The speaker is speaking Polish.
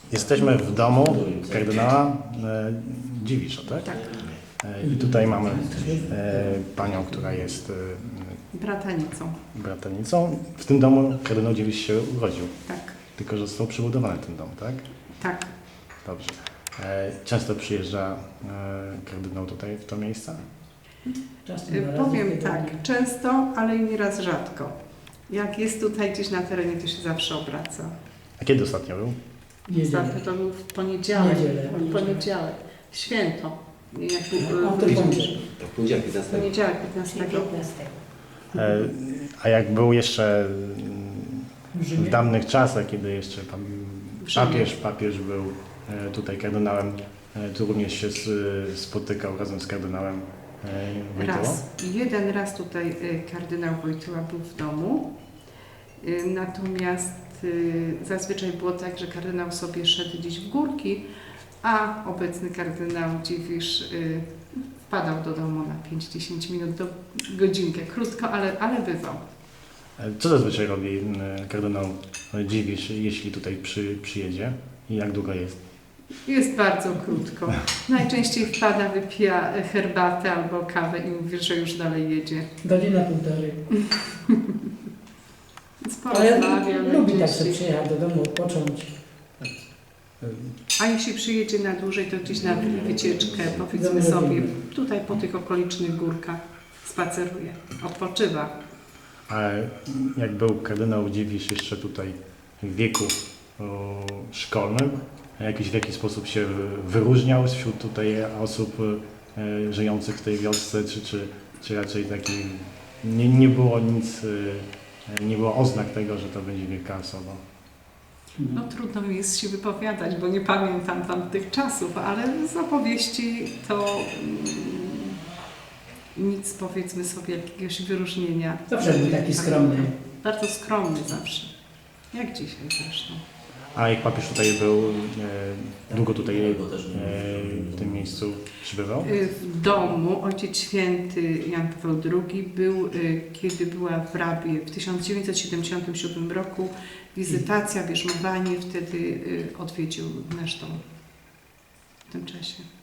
Jesteśmy w domu kardynała Dziwisza, tak? Tak. I tutaj mamy panią, która jest Bratanicą. bratanicą. W tym domu kardynał Dziwisz się urodził, Tak. tylko że został przebudowany ten dom, tak? Tak. Dobrze. Często przyjeżdża kardynał tutaj, w to miejsce? Powiem tak, często, ale i nieraz rzadko. Jak jest tutaj gdzieś na terenie, to się zawsze obraca. A kiedy ostatnio był? Ostatnio to był w poniedziałek. W poniedziałek. Święto. Jak Tak, poniedziałek 15. poniedziałek 15. A jak był jeszcze w dawnych czasach, kiedy jeszcze pan papież był tutaj kardynałem, tu również się spotykał razem z kardynałem Wojtyłą? Jeden raz tutaj kardynał Wojtyła był w domu, natomiast zazwyczaj było tak, że kardynał sobie szedł gdzieś w górki, a obecny kardynał Dziwisz wpadał do domu na 5-10 minut, do godzinkę, krótko, ale bywał. Co zazwyczaj robi kardynał Dziwisz, jeśli tutaj przyjedzie i jak długo jest? Jest bardzo krótko. Najczęściej wpada, wypija herbatę albo kawę i mówi, że już dalej jedzie. Godzina, półtorej. Ale lubi tak sobie przyjechać do domu, odpocząć. A jeśli przyjedzie na dłużej, to gdzieś na wycieczkę, powiedzmy sobie, tutaj po tych okolicznych górkach spaceruje, odpoczywa. A jak był kardynał Dziwisz jeszcze tutaj w wieku szkolnym, w jakiś sposób się wyróżniał wśród tutaj osób żyjących w tej wiosce, czy raczej taki nie było nic, nie było oznak tego, że to będzie wielka osoba? No trudno mi jest się wypowiadać, bo nie pamiętam tamtych czasów, ale z opowieści to nic, powiedzmy sobie, jakiegoś wyróżnienia. Zawsze był taki skromny. Bardzo skromny zawsze, jak dzisiaj zresztą. A jak papież tutaj był, długo tutaj w tym miejscu przybywał? W domu Ojciec Święty Jan Paweł II był, kiedy była w Rabie w 1977 roku wizytacja, bierzmowanie, wtedy odwiedził nasz dom w tym czasie.